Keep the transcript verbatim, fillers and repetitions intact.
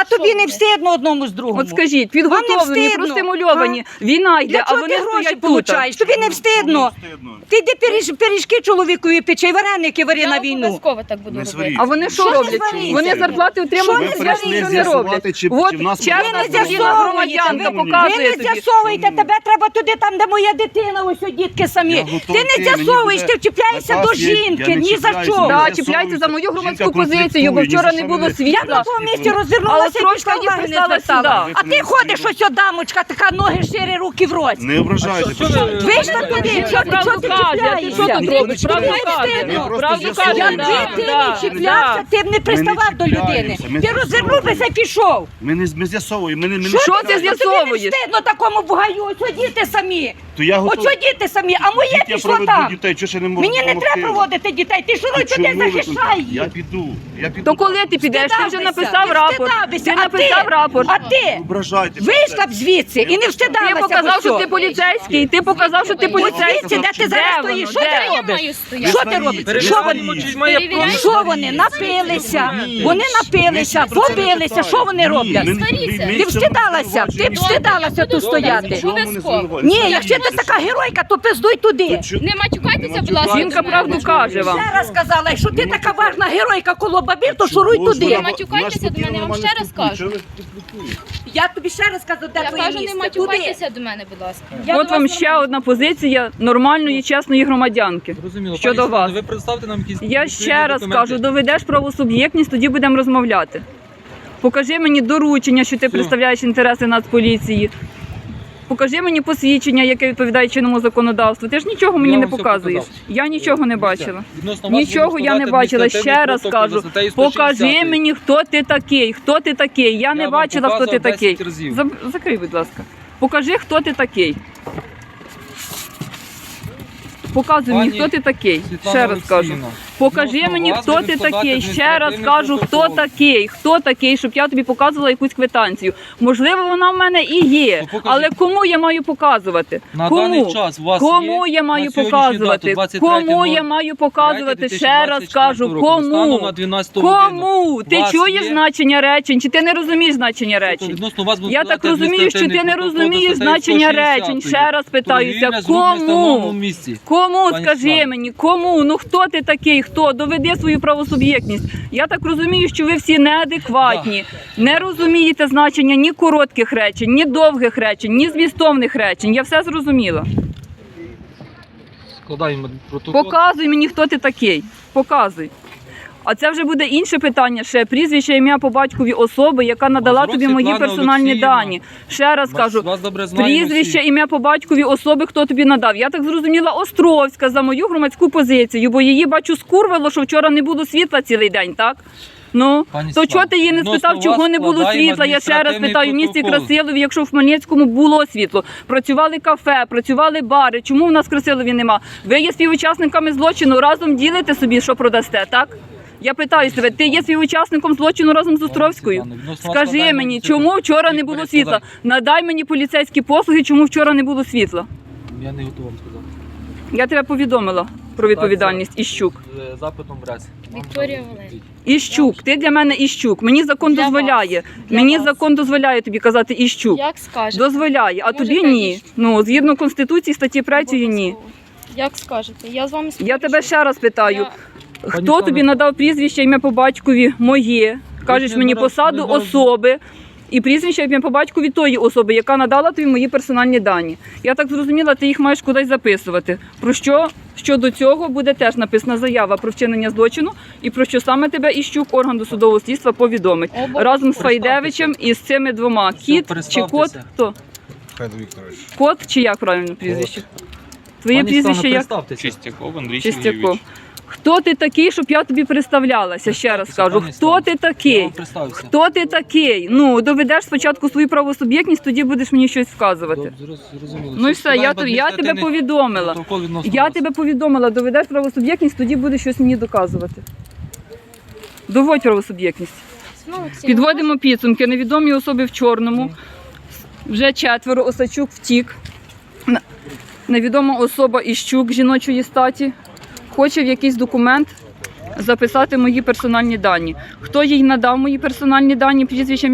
А тобі не встидно одному з другому? От скажіть, підготовлені, простимульовані, війна йде, а вони гроші стоять получаєш? тут. Тобі не встидно? Ти йди пиріж- пиріжки чоловікові печи, вареники вари на Я війну. обов'язково так буду Не робити. сваріть. А вони що Що не роблять? сваріться? Вони зарплати Що отримують, не а сваріться? нічого не З'ясувати, роблять. чи- От чи в нас чесна Ви не спокійна з'ясовуєте, громадянка ви- показує ви не тобі. з'ясовуєте, тебе треба туди, там, де моя дитина, ось о, дітки самі. Я Ти готовий не йти, мені з'ясовуєш, буде ти вчіпляєшся наказ, до я- я жінки, не ні за чіпляюся, що. не Да, з'ясовується. чіпляйте за мою громадську Жінка позицію, бо конфліктує, вчора ні за не що було мене- світла. Я на тому місці Але розвернулася і трошки пішла, їх уваги не прислала звертала. сюди. А ти ходиш ось о, дамочка, така ноги шири, руки в роті. Не ображайте. пожалуйста. Вийшла туди, що ти Правду чого ти каже, а ти що тут чіпляєшся? робиш? Правду Тобі не каже. встидно? Ми Правду просто каже, Якби з'ясовуємо. да, ти да, не чіплявся, да. ти б не приставав до людини. чіпляємося, ми Ти розвернувся і пішов. Ми не ми з'ясовуємо. Ми не ми не Що ти чіпляємося. з'ясовуєш? Тобі не встидно такому бугаю, ось о, діти самі. То я Ось готовий. о, діти самі, а моє Діть, я пішло проведу там. дітей, чого ще не можу Мені не допомогти? треба проводити дітей, ти шуруй туди, Чому ви тут? захищай Я їх. піду. Я піду. То коли ти підеш? Ти вже Встидався, написав ти рапорт. встидався, Ти а написав ти? рапорт. А ти Ображайте. вийшла б звідси і не встидалася. Ти показав, що ти ось поліцейський. Ти показав, що ти Ось поліцейський. звідси, де ти зараз Де стоїш, воно? що ти Де? Я робиш? маю стояти. Що ти робиш? Що вони? Перевіряйте. Що вони? Напилися. Вони напилися, побилися. Що вони роблять? Ти встидалася, ти б встидалася тут стояти. Ні, якщо ти така геройка, то пиздуй туди. Не матюкайтеся, будь ласка. Жінка правду каже вам. Ще раз сказала, якщо ти така важна геройка коло бабір, то шуруй туди. Не матюкайтеся до мене, я вам ще раз кажу. Я тобі ще раз кажу, де Я твоє кажу, не місце. Туди. матюкайтеся до мене, будь ласка. Я От до вас вам ще одна позиція нормальної, чесної громадянки. Зрозуміло. Щодо Пані вас. Світлано, ви представте нам якісь Я відповідні ще раз документи. кажу, доведеш правосуб'єктність, тоді будемо розмовляти. Покажи мені доручення, що ти представляєш інтереси Нацполіції. Покажи мені посвідчення, яке відповідає чинному законодавству. Ти ж нічого мені Я не вам все показуєш. показав. Я нічого не бачила. Відносно вас Нічого будемо я не складати бачила. адміністративний Ще раз протокол кажу, за статтею сто шістдесят. покажи мені, хто ти такий, хто ти такий. Я не вам бачила, хто ти показував такий. десять разів. Заб- Закрий, будь ласка. Покажи, хто ти такий. Показуй мені, Пані хто ти такий. Світлана Ще раз кажу. Олексіївна, Покажи відносно мені, вас хто будемо ти складати такий. Ще раз адміністративний кажу, хто протокол. такий, хто такий, щоб я тобі показувала якусь квитанцію. Можливо, вона в мене і є, То покажіть. але кому я маю показувати? На Кому? даний час у вас Кому є я маю на сьогоднішню показувати? дату, двадцять третє Кому я маю показувати? двадцять Ще раз кажу, року, станом кому? на дванадцяту годину. Кому? Ти Вас чуєш є? значення речень? Чи ти не розумієш значення Тобто речень? відносно вас буде Я так складати розумію, що ти не адміністративний протокол розумієш за статтею значення сто шістдесят. речень. Ще раз питаюся, Торгівля з людьми в встановленому кому? місці. Кому, Пані скажи Світлано. мені, кому? Ну хто ти такий? Хто? Доведи свою правосуб'єктність. Я так розумію, що ви всі неадекватні, не розумієте значення ні коротких речень, ні довгих речень, ні змістовних речень. Я все зрозуміла. Складаємо протокол. Показуй мені, хто ти такий. Показуй. А це вже буде інше питання ще. Прізвище, ім'я по батькові особи, яка надала Мазур тобі мої Світлана персональні Олексіївна. дані. Ще раз Вас- кажу, вас добре знаємо прізвище, всі. ім'я по батькові особи, хто тобі надав. Я так зрозуміла, Островська за мою громадську позицію, бо її, бачу, скурвило, що вчора не було світла цілий день, так? Ну, Пані то Світлано, чого ти її не відносно спитав, чого вас не було складаємо світла? Я ще раз адміністративний питаю, в місті протокол. Красилові, якщо в Хмельницькому було світло, працювали кафе, працювали бари, чому в нас в Красилові нема? Ви є співучасниками злочину, разом ділите собі, що продасте, так? Я питаю тебе, ти є співучасником злочину разом з Островською? Світлано, відносно вас Скажи складаємо мені, цю- чому вчора не цю було перескладання. світла? Надай мені поліцейські послуги, чому вчора не було світла? Я не готовий вам сказати. Я тебе повідомила про відповідальність Іщук. З запитом в РЕС. Вам Вікторія там Валеріївна. Іщук, ти для мене Іщук. Мені закон Для дозволяє. вас. Для Мені вас. закон дозволяє тобі казати Іщук. Як скажете. Дозволяє, а Можете тобі ні. Іщук. Ну, згідно Конституції статті третьої ні. Обов'язково. Як скажете. Я з вами Я спорю, тебе що- ще раз питаю. Я- Хто Світлана- тобі надав прізвище, ім'я по батькові моє? Кажеш не мені нараз- посаду не нараз- особи і прізвище, ім'я по батькові тої особи, яка надала тобі мої персональні дані. Я так зрозуміла, ти їх маєш кудись записувати. Про що щодо цього буде теж написана заява про вчинення злочину і про що саме тебе Іщук, орган досудового слідства, повідомить. Обо- Разом з Представтеся. Файдевичем і з цими двома. Кіт чи кот? представтеся. Хто? Михайло Вікторович. Кот чи як правильно прізвище? Твоє Пані прізвище Світлано, як? представтеся. Чистяков Андрій Чистяков. Сергійович. Хто ти такий, щоб я тобі представлялася? Ще раз кажу, Пані хто Світлано, ти Я такий? вам представився. Хто ти такий? Ну, доведеш спочатку свою правосуб'єктність, тоді будеш мені щось вказувати. Добре, зрозуміло. Ну і все, я, Складаємо тобі- я тебе адміністративний повідомила. протокол відносно Я вас. тебе повідомила, доведеш правосуб'єктність, тоді будеш щось мені доказувати. Доводь правосуб'єктність. Ну, Олексій, Підводимо підсумки. Невідомі особи в чорному. Вже четверо. Осачук втік. На- Невідома особа Іщук жіночої статі хоче в якийсь документ записати мої персональні дані. Хто їй надав мої персональні дані, прізвище,